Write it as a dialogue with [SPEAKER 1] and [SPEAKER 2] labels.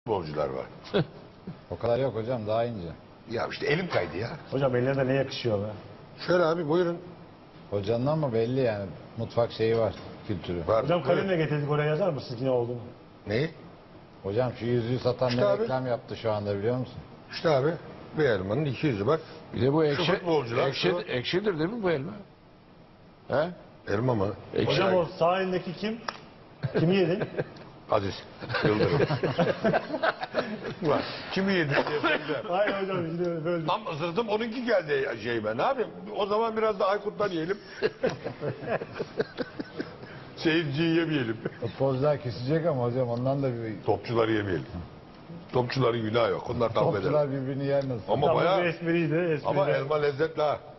[SPEAKER 1] futbolcular var.
[SPEAKER 2] O kadar yok hocam, daha ince.
[SPEAKER 1] Ya işte elim kaydı ya.
[SPEAKER 3] Hocam ellerine ne yakışıyor be?
[SPEAKER 1] Şöyle abi buyurun.
[SPEAKER 2] Hocanın ama belli yani, mutfak şeyi var, kültürü.
[SPEAKER 1] Var.
[SPEAKER 3] Hocam
[SPEAKER 1] Buyurun.
[SPEAKER 3] kalemle getirdik, oraya yazar mısınız ne olduğunu?
[SPEAKER 1] Neyi?
[SPEAKER 2] Hocam şu yüzüğü satan
[SPEAKER 1] İşte
[SPEAKER 2] ne
[SPEAKER 1] abi.
[SPEAKER 2] reklam yaptı şu anda, biliyor musun?
[SPEAKER 1] İşte abi bir elmanın 200'ü bak.
[SPEAKER 4] Bir de bu ekşi,
[SPEAKER 1] futbolcular,
[SPEAKER 4] ekşidir değil mi bu elma? He?
[SPEAKER 1] Elma mı?
[SPEAKER 4] Ekşi.
[SPEAKER 3] Hocam o sağ elindeki kim? Kimi yedin?
[SPEAKER 1] Aziz. Yıldırım. Ulan, kimi yedin diye soracağım.
[SPEAKER 3] Hayır hocam şimdi böyle.
[SPEAKER 1] Tam ısırdım onunki geldi ben. Ne yapayım? O zaman biraz da Aykut'tan yiyelim. Seyirciyi yemeyelim.
[SPEAKER 2] Futbolcular kesecek ama hocam, ondan da bir...
[SPEAKER 1] Topçuları yemeyelim. Topçuların günahı yok. Onlar tahmin eder.
[SPEAKER 2] Topçular birbirini yer nasıl?
[SPEAKER 1] Ama
[SPEAKER 3] Tam bu
[SPEAKER 1] bayağı...
[SPEAKER 3] espriydi.
[SPEAKER 1] Ama elma lezzetli ha.